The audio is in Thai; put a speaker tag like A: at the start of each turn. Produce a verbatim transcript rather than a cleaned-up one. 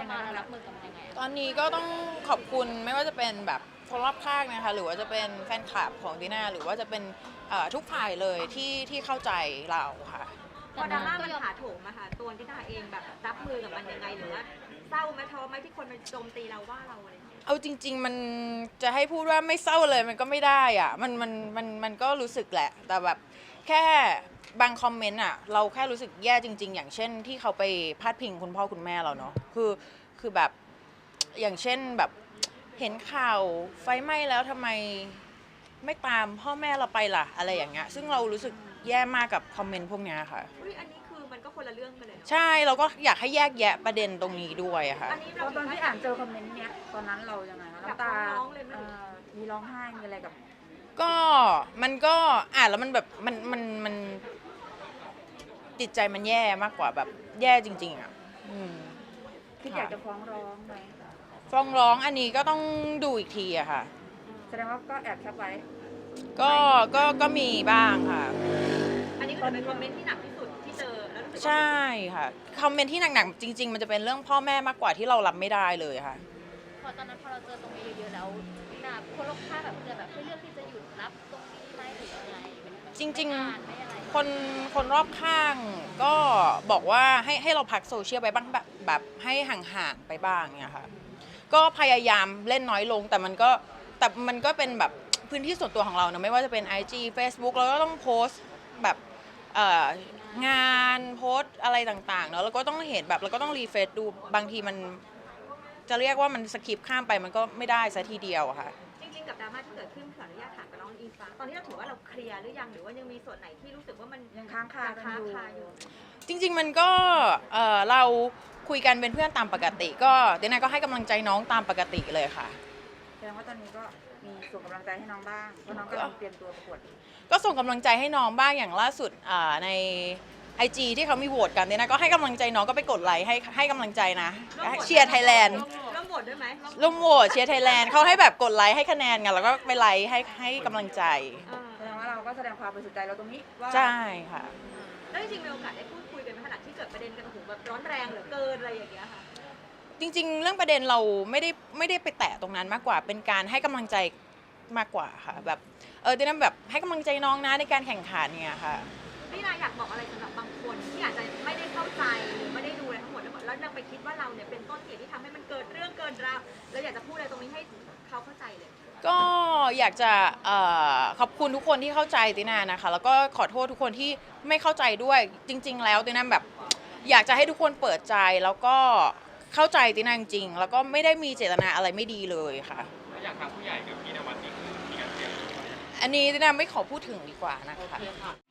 A: มารับมือกับมันยังไง
B: ตอนนี้ก็ต้องขอบคุณไม่ว่าจะเป็นแบบคนรอบข้างนะคะหรือว่าจะเป็นแฟนคลับของดีน่าหรือว่าจะเป็นทุกฝ่ายเลยที่ที่เข้าใจเราค่ะ
C: พอดราม่ามันถาโถมอะค่ะตัวดิน่าเองแบบรับมือกับมันยังไงหรือว่าเศร้าไหมท้อไหมที่คนมาโจมตีเราว่าเราอะไร
B: เอาจริงๆมันจะให้พูดว่าไม่เศร้าเลยมันก็ไม่ได้อะมันมันมันมันก็รู้สึกแหละแต่แบบแค่บางคอมเมนต์อะเราแค่รู้สึกแย่จริงๆอย่างเช่นที่เขาไปพาดพิงคุณพ่อคุณแม่เราเนาะคือคือแบบอย่างเช่นแบบเห็นข่าวไฟไหม้แล้วทำไมไม่ตามพ่อแม่เราไปล่ะอะไรอย่างเงี้ยซึ่งเรารู้สึกแย่มากกับคอมเมนต์พวกนี้ค่ะ
C: อุ้ยอันนี้คือมันก็คนละเรื่องกันเลยเนาะ
B: ใช่เราก็อยากให้แยกแยะประเด็นตรงนี้ด้วยอะค่ะ
C: อันนี้เรา
D: ตอนที่อ่านเจอคอมเมนต์เนี้ยตอนนั้นเรายังไงคะน้ำตามีร้องไห้มีอะไรกับ
B: ก็มันก็อ่านแล้วมันแบบมันมันมันจิตใจมันแย่มากกว่าแบบแย่จริงๆอ่ะ
D: คิดอยากจะฟ้องร้องไหม
B: ฟ้องร้องอันนี้ก็ต้องดูอีกทีอะค่ะ
D: แสดงว่าก็แอบแคปไว้
B: ก็ก็ก็มีบ้างค่ะ
C: อันนี้ก็เป็นคอมเมนต์ที่หนักที่สุดที่เจอแล้วรู้สึก
B: ใช่ค่ะคอมเมนต์ที่หนักๆจริงๆมันจะเป็นเรื่องพ่อแม่มากกว่าที่เรารับไม่ได้เลยค่ะ
A: พอตอนนั้นพอเราเจอตรงนี้เยอะๆแล้วนะคนรอบข้างแบบจะแบบให้เลือกที่จะหยุดรับตรงนี้ไหมหรืออะไร
B: จริงๆคนคนรอบข้างก็บอกว่าให้ให้เราพักโซเชียลไปบ้างแบบแบบให้ห่างๆไปบ้างเนี่ยค่ะก็พยายามเล่นน้อยลงแต่มันก็แต่มันก็เป็นแบบพื้นที่ส่วนตัวของเราเนะไม่ว่าจะเป็น ไอ จี Facebook เราก็ต้องโพสต์แบบงานโพสต์อะไรต่างๆเนาะแล้วก็ต้องเห็นแบบเราก็ต้องรีเฟรชดูบางทีมันจะเรียกว่ามันสคิปข้ามไปมันก็ไม่ได้ซะทีเดียวค่ะ
C: จริงๆกับดราม่าที่เกิดขึ้นขออนุญาตถามกับน้องอิงฟ้าตอนนี้เราถือว่าเราเคลียร์หรือยังหรือว่ายังมีส่วนไหนที่รู้สึกว่ามัน
D: ยังค้างคา
C: อยู่
B: จริงๆมันก็เราคุยกันเป็นเพื่อนตามปกติก็เดน่าก็ให้กำลังใจน้องตามปกติเลยค่ะ
D: แสดงว่าตอนนี้ก็มีส่งกำลังใจให้น้องบ้างเพราะน้องกำลังเตรียมตัวประกวด
B: ก็ส่งกำลังใจให้น้องบ้างอย่างล่าสุดในไอจีที่เขามีโหวตกันเนี่ยนะก็ให้กำลังใจน้องก็ไปกดไลค์ให้ให้กำลังใจนะเชียร์ไทยแลนด์
C: ร่วมโหวตด้วยไหม
B: ร่วมโหวตเชียร์ไทยแลนด์เขาให้แบบกดไลค์ให้คะแนนกันแล้วก็ไปไลค์ให้ให้กำลังใจ
D: แสดงว่าเราก็แสดงความบริสุทธิ์ใจเราตรงนี้
B: ว่าใช่ค่ะ
C: แล้วจริงๆมีโอกาสได้พูดคุยกันในขณะที่เกิดประเด็นกันโอ้โหแบบร้อนแรงเหลือเกินอะไรอย่างเงี้ยค่ะ
B: จริงๆเรื่องประเด็นเราไม่ได้ไม่ได้ไปแตะตรงนั้นมากกว่าเป็นการให้กำลังใจมากกว่าค่ะแบบเออเดน่าแบบให้กำลังใจน้องนะในการแข่งขันเนี่ยค่ะ
C: พี่นาอยากบอกอะไรสำหรับบางคนที่อาจจะไม่ได้เข้าใจหรือไม่ได้ดูอะไรทั้งหมดแล้วแล้วยังไปคิดว่าเราเนี่ยเป็นต้นเหตุที่ทำให้มันเกิดเรื่องเกินราวแล้วอยากจะพูดอะไรตรงนี้ให้เขาเข้าใจเลย
B: ก็อยากจะขอบคุณทุกคนที่เข้าใจตินานะคะแล้วก็ขอโทษทุกคนที่ไม่เข้าใจด้วยจริงๆแล้วตินาแบบอยากจะให้ทุกคนเปิดใจแล้วก็เข้าใจตินาจริงๆแล้วก็ไม่ได้มีเจตนาอะไรไม่ดีเลยค่ะ
E: อยากทางผู้ใหญ่กับพี่นวัดนี่คือมีการเตรียม
B: อันนี้ตินาไม่ขอพูดถึงดีกว่านะคะ